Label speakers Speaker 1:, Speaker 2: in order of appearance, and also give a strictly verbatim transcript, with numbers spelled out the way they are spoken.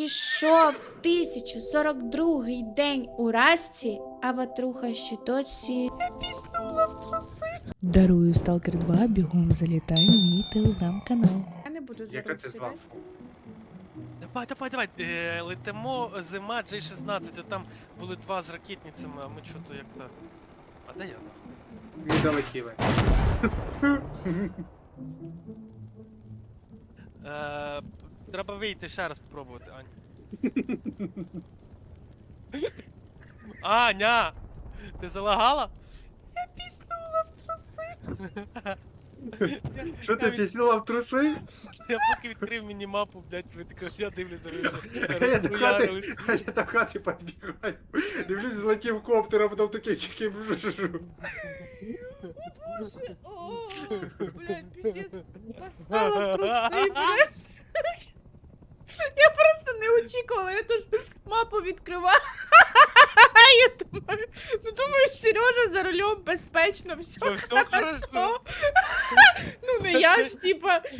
Speaker 1: Прийшов тисяча сорок другий день у Расті, а ватруха ще досі. Я піснула в труси. Дарую Сталкер два, бігом залітай в мій телеграм-канал. Я не буду
Speaker 2: Яка ти звав?
Speaker 3: Давай, давай, давай. Е, летимо зима джей шістнадцять, а там були два з ракетницями, а ми чого-то як-то. А де я нахуй?
Speaker 2: Ми долетіли.
Speaker 3: Е, треба вийти ще раз спробувати, Ань. Аня! Ти залагала?
Speaker 1: Я піснула в труси.
Speaker 2: Що ти піснула в труси?
Speaker 3: Я поки відкрив мінімапу, блядь, ви таке, я дивлюся, ви
Speaker 2: А я до хати,
Speaker 3: розхуярились.
Speaker 2: а я до хати підбігаю. Дивлюсь, злетів коптер, а потім такий чеки вжужу.
Speaker 1: Боже, о, блядь, піздець, посала в труси, блядь. Я просто не очікувала, я тут мапу відкриваю. Я думаю, ну думаю, Сережа за рулем безпечно, все
Speaker 3: Ну, все хорошо.
Speaker 1: хорошо. Ну не я ж, типа,